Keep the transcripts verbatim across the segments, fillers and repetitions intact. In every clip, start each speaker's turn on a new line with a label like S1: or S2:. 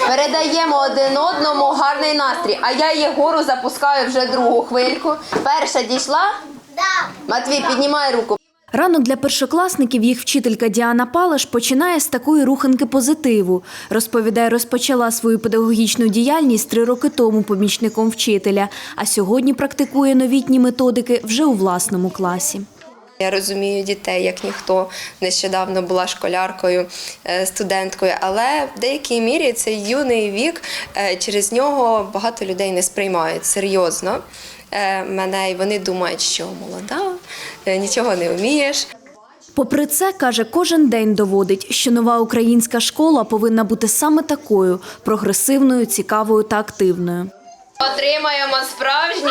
S1: Передаємо один одному гарний настрій. А я Єгору запускаю вже другу хвильку. Перша дійшла? Так. Матвій, піднімай руку.
S2: Ранок для першокласників їх вчителька Діана Палаш починає з такої руханки позитиву. Розповідає, розпочала свою педагогічну діяльність три роки тому помічником вчителя, а сьогодні практикує новітні методики вже у власному класі.
S1: Я розумію дітей, як ніхто. Нещодавно була школяркою, студенткою, але в деякій мірі цей юний вік, через нього багато людей не сприймають серйозно мене, і вони думають, що молода, нічого не вмієш.
S2: Попри це, каже, кожен день доводить, що нова українська школа повинна бути саме такою – прогресивною, цікавою та активною.
S1: Отримаємо справжній...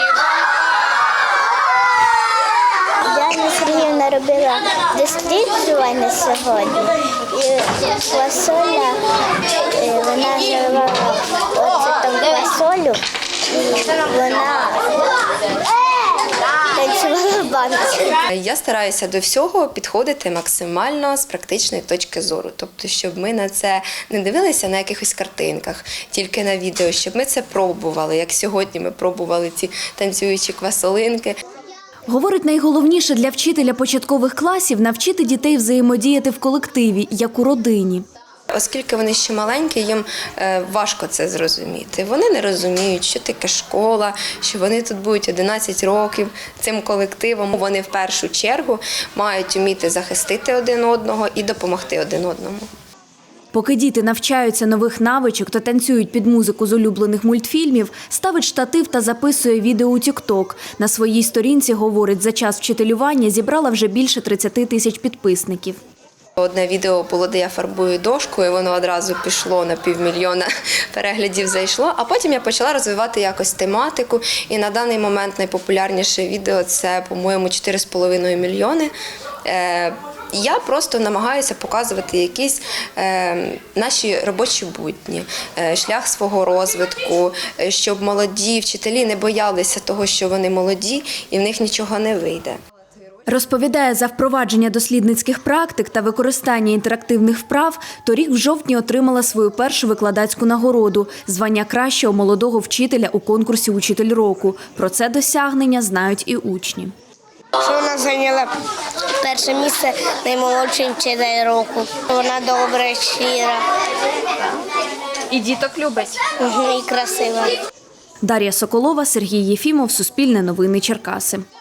S3: Діана Сергіївна робила досліджування сьогодні, і квасоля, вона живала оце там квасолю, і вона танцювала баночку.
S1: Я стараюся до всього підходити максимально з практичної точки зору. Тобто, щоб ми на це не дивилися на якихось картинках, тільки на відео, щоб ми це пробували, як сьогодні ми пробували ці танцюючі квасолинки.
S2: Говорить, найголовніше для вчителя початкових класів – навчити дітей взаємодіяти в колективі, як у родині.
S1: Оскільки вони ще маленькі, їм важко це зрозуміти. Вони не розуміють, що таке школа, що вони тут будуть одинадцять років цим колективом. Вони в першу чергу мають вміти захистити один одного і допомогти один одному.
S2: Поки діти навчаються нових навичок та танцюють під музику з улюблених мультфільмів, ставить штатив та записує відео у тік-ток. На своїй сторінці, говорить, за час вчителювання зібрала вже більше тридцяти тисяч підписників.
S1: Одне відео було, де я фарбую дошку, і воно одразу пішло на півмільйона переглядів, зайшло. А потім я почала розвивати якось тематику, і на даний момент найпопулярніше відео – це, по-моєму, чотири з половиною мільйони. Я просто намагаюся показувати якісь е, наші робочі будні, е, шлях свого розвитку, е, щоб молоді вчителі не боялися того, що вони молоді і в них нічого не вийде.
S2: Розповідає, за впровадження дослідницьких практик та використання інтерактивних вправ торік в жовтні отримала свою першу викладацьку нагороду – звання кращого молодого вчителя у конкурсі «Учитель року». Про це досягнення знають і учні.
S3: Що вона зайняла перше місце наймолодший вчитель року. Вона добра, щира.
S1: І діток любить.
S3: І красива.
S2: Дар'я Соколова, Сергій Єфімов, Суспільне новини, Черкаси.